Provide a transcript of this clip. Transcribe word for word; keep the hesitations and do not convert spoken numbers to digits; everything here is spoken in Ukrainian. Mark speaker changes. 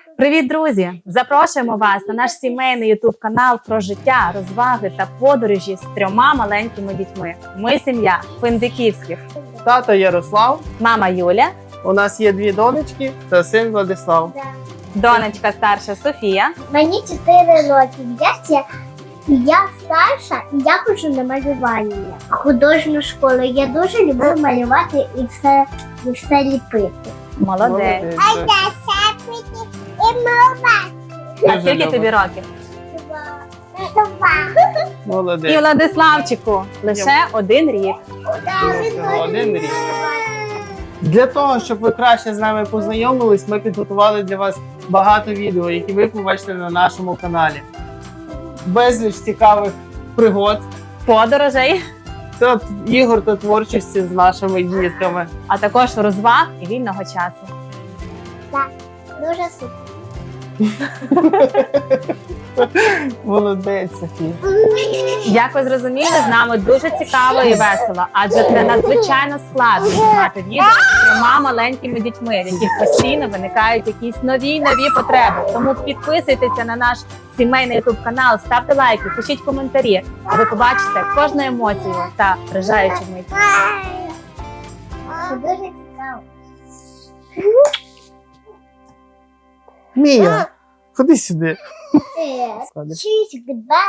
Speaker 1: Привіт, друзі! Запрошуємо вас на наш сімейний ютуб-канал про життя, розваги та подорожі з трьома маленькими дітьми. Ми сім'я Финдиківських.
Speaker 2: Тато Ярослав,
Speaker 1: Мама Юля,
Speaker 2: у нас є дві донечки та син Владислав.
Speaker 1: донечка старша Софія.
Speaker 3: Мені чотири роки. Я, ще- я старша і я ходжу на малювання. Художню школу. Я дуже люблю малювати і все, і все ліпити.
Speaker 1: Молодець. А
Speaker 2: Дуже
Speaker 1: скільки
Speaker 2: любить.
Speaker 1: тобі років? І
Speaker 2: Молодець.
Speaker 1: Владиславчику лише один рік.
Speaker 2: Всього один рік. Для того, щоб ви краще з нами познайомились, ми підготували для вас багато відео, які ви побачите на нашому каналі. Безліч цікавих пригод,
Speaker 1: Подорожей,
Speaker 2: та ігор та творчості з нашими дітками.
Speaker 1: а також розваг і вільного часу.
Speaker 3: Дуже супер.
Speaker 2: Молодець, Софія.
Speaker 1: Як ви зрозуміли, з нами дуже цікаво і весело, адже це надзвичайно складно знімати відео з трьома маленькими дітьми, в яких постійно виникають якісь нові й нові потреби. Тому підписуйтеся на наш сімейний ютуб канал, ставте лайки, пишіть коментарі. А ви побачите кожну емоцію та вражаючу мить.
Speaker 3: Це дуже цікаво.
Speaker 2: Мія, ходи сюди.
Speaker 3: Е, Чись, гда.